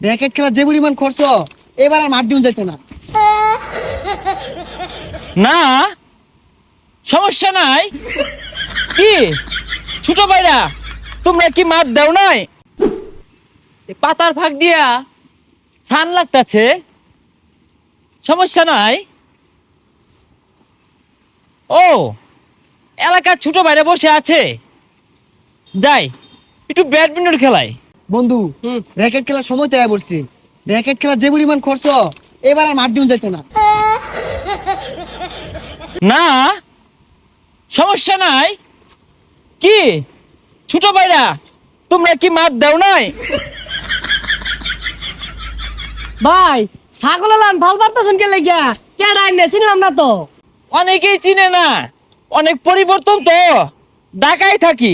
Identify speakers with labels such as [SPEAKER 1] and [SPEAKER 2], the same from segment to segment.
[SPEAKER 1] Racket খেলার যে পরিমাণ খরচ, এবার আর মাঠ দিন যাইতো না।
[SPEAKER 2] না সমস্যা নাই। কি ছোট ভাইরা, তোমরা কি মাঠ দাও নাই? এ পাতার ফাঁক দিয়া ছান লাগতাছে, সমস্যা নাই। ও এলাকার ছোট ভাইরা বসে আছে, যাই একটু ব্যাডমিন্টন খেলাই।
[SPEAKER 1] বন্ধু, র্যাকেট খেলার সময় তৈরি পড়ছে। র্যাকেট খেলার যে পরিমাণ খরচ, এবার আর মাঠ দিন যাইতো না।
[SPEAKER 2] না সমস্যা নাই। কি ছোট ভাইরা, তোমরা কি মাঠ দাও নাই?
[SPEAKER 3] ভাই ছাগল লান ভাল পারতেছেন কে লাগিয়া কেডা আইনে চিনলাম না তো।
[SPEAKER 2] অনেকেই চিনে না, অনেক পরিবর্তন তো, ঢাকায় থাকি,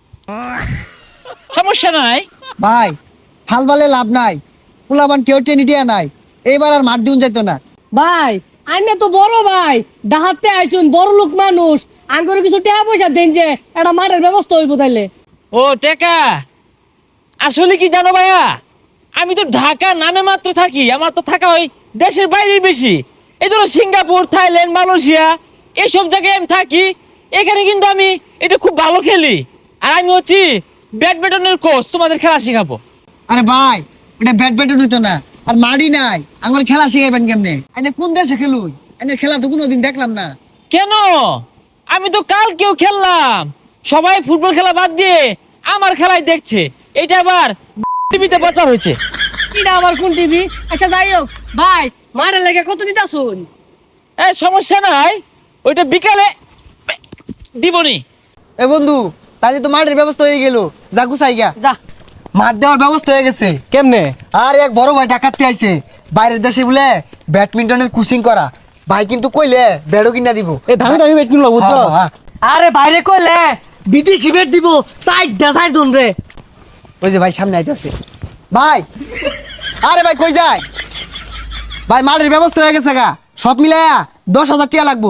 [SPEAKER 2] সমস্যা নাই।
[SPEAKER 1] ভাই হাল বালে লাভ নাই, পোলাবান কেউ টেনে দিয়া নাই, এবার আর মাঠ দিন যাইতো না।
[SPEAKER 3] ভাই আইনে তো বড় ভাই, ডাহাতে আইছুন বড় লোক মানুষ, আঙ্গুরে কিছু টাকা পয়সা দেন যে একটা মাঠের ব্যবস্থা হইব তাইলে।
[SPEAKER 2] ও টেকা, আসলে কি জানো ভাইয়া, আমি তো ঢাকা নামে মাত্র থাকি, আমার তো থাকা ওই দেশের বাইরে বেশি। এই ধরো সিঙ্গাপুর, থাইল্যান্ড, মালয়েশিয়া এইসব জায়গায় আমি থাকি। এখানে কিন্তু আমি এটা খুব ভালো খেলি, আর আমি হচ্ছি ব্যাডমিন্টনের কোচ, তোমাদের খেলা শেখাবো।
[SPEAKER 1] আরে ভাই, এটা ব্যাডমিন্টন হইতো না, আর মাঠই নাই, আমার খেলা শিখাইবেন কেমনে? আইনে কোন দেশে খেলুন? আইনে খেলা তো কোনোদিন দেখলাম না।
[SPEAKER 2] কেন? আমি তো কালকেও খেললাম, সবাই ফুটবল খেলা বাদ দিয়ে আমার খেলাই দেখছে। এটা আবার টিভিতে প্রচার হয়েছে।
[SPEAKER 3] এটা আবার কোন টিভি? আচ্ছা যাই হোক ভাই, মাঠের লেগে কত দিতাছুন?
[SPEAKER 2] এই সমস্যা নাই, ওইটা বিকালে দিবনি।
[SPEAKER 1] এ বন্ধু, তাহলে তো মাঠের ব্যবস্থা হয়ে গেল, যা গুছাই গা।
[SPEAKER 3] যা।
[SPEAKER 1] মাঠ দেওয়ার ব্যবস্থা হয়ে গেছে।
[SPEAKER 3] কেমনে?
[SPEAKER 1] আর এক বড় ভাই ডাকাতে আইছে, বাইরের দেশে বলে ব্যাডমিন্টনের কোচিং করা। ভাই কিন্তু কইলে ব্যাডও কিনা দিব।
[SPEAKER 3] এ দামি দামি বেট কিনলো বুঝছো?
[SPEAKER 1] হ্যাঁ, হ্যাঁ।
[SPEAKER 3] আরে বাইরে কইলে বিদেশি বেট দিব, সাইডটা সাইড দন রে।
[SPEAKER 1] ওই যে ভাই সামনে আইতাছে। ভাই, আরে ভাই কই যায়? ভাই মাঠের ব্যবস্থা হয়ে গেছে গা, সব মিলায়া 10,000 টাকা লাগবো।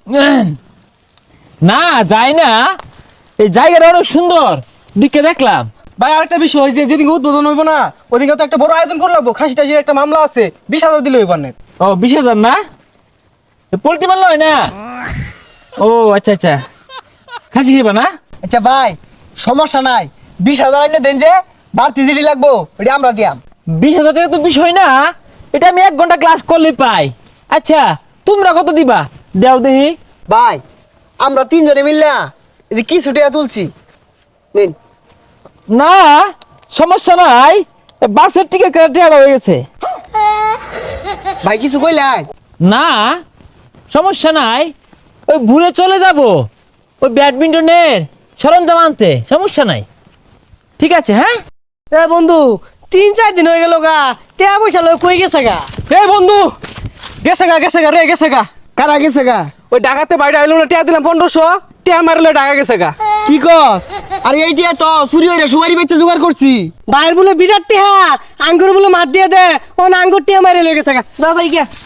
[SPEAKER 2] না যায় না, এই জায়গাটা অনেক সুন্দর, দিকে দেখলাম।
[SPEAKER 4] ভাই আরেকটা বিষয়, যে যেদিকে উদ্বোধন হইব না ওদিকে তো একটা বড় আয়োজন করে লাগবো। খাসি টাসির একটা মামলা আছে, 20,000 দিলে হইব না।
[SPEAKER 2] ও 20,000 না, পোল্ট্রি মারল হয় না? ও আচ্ছা আচ্ছা, খাসি খেবা না?
[SPEAKER 1] আচ্ছা ভাই, সমস্যা নাই, 20,000 আইনে দেন, যে বাড়তি জিডি লাগবো ওটা আমরা দিয়াম।
[SPEAKER 2] 20,000 টাকা তো বিষয় না, এটা আমি 1 ঘন্টা ক্লাস করলে পাই। আচ্ছা তোমরা কত দিবা দেও দেখি।
[SPEAKER 1] ভাই আমরা 3 জনে মিললা এই যে কি ছুটিয়া তুলছি, নিন।
[SPEAKER 2] না সমস্যা নাই, বাসের টিকিট কেটে হয়ে গেছে।
[SPEAKER 1] ভাই কিছু কইলাই?
[SPEAKER 2] না সমস্যা নাই, ওই ঘুরে চলে যাব ওই ব্যাডমিন্টনের সরঞ্জাম আনতে, সমস্যা নাই, ঠিক আছে। হ্যাঁ
[SPEAKER 3] এ বন্ধু, 3-4 দিন হয়ে গেল গা, টাকা পয়সা লয় কই গেছে গা?
[SPEAKER 4] এই বন্ধু, গেছে গা রে, গেছে গা।
[SPEAKER 1] কারা গেছে গা?
[SPEAKER 4] ওই ডাকাতে বাইরে আইলো না, টিয়া দিলাম 1500, টিয়া মারলে ডাকা গেছে গা।
[SPEAKER 1] কি কস? আরে এইটা তো চুরি হইরা সুবারি বেচে জোগাড় করছি।
[SPEAKER 3] বাইর বলে বিরাট টিহা, আঙ্গুর বলে মার দিয়ে দে, ও আঙ্গুর টিহা মারে লয়ে গেছে গা। দাদা গিয়া